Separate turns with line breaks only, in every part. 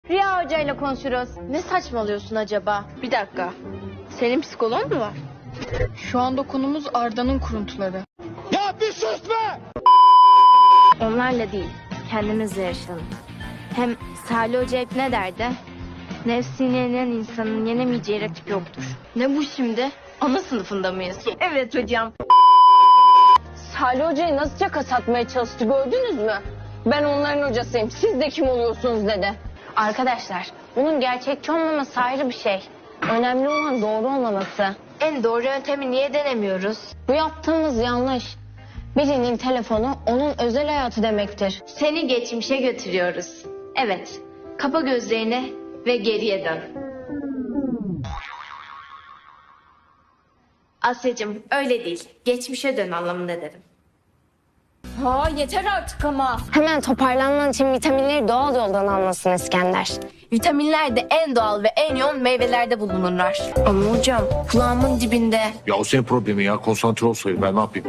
Rüya Hoca ile konuşuruz.
Ne saçmalıyorsun acaba?
Bir dakika. Senin psikoloğun mu var?
Şu anda konumuz Arda'nın kuruntuları.
Ya bir sus be!
Onlarla değil, kendimizle yaşayalım. Hem Salih Hoca hep ne derdi? Nefsini yenen insanın yenemeyeceği rakip yoktur.
Ne bu şimdi? Ana sınıfında mıyız?
Evet hocam.
Salih Hoca'yı nasıl caka satmaya çalıştı gördünüz mü? Ben onların hocasıyım. Siz de kim oluyorsunuz dedi.
Arkadaşlar, bunun gerçekçi olmaması ayrı bir şey. Önemli olan doğru olmaması. En doğru yöntemi niye denemiyoruz?
Bu yaptığımız yanlış. Birinin telefonu onun özel hayatı demektir.
Seni geçmişe götürüyoruz. Evet, kapa gözlerini ve geriye dön. Asya'cığım öyle değil. Geçmişe dön anlamında dedim.
Ha yeter artık ama.
Hemen toparlanman için vitaminleri doğal yoldan almasın İskender.
Vitaminler de en doğal ve en yoğun meyvelerde bulunurlar.
Ama hocam kulağımın dibinde.
Ya o senin problemin ya. Konsantre olsaydı ben ne yapayım?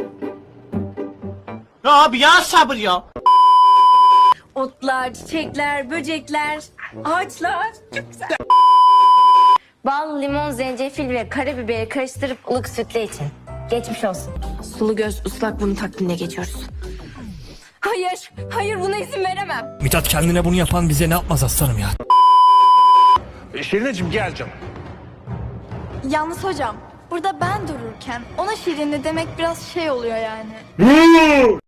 Ya abi ya sabır ya.
Otlar, çiçekler, böcekler, ağaçlar. Çok güzel.
Bal, limon, zencefil ve karabiberi karıştırıp ılık sütle için. Geçmiş olsun.
Sulu göz ıslak bunun takvimine geçiyoruz.
Hayır, hayır buna izin veremem.
Mithat kendine bunu yapan bize ne yapmaz aslanım ya.
Şirineciğim gel canım.
Yalnız hocam, burada ben dururken ona şirinli demek biraz şey oluyor yani.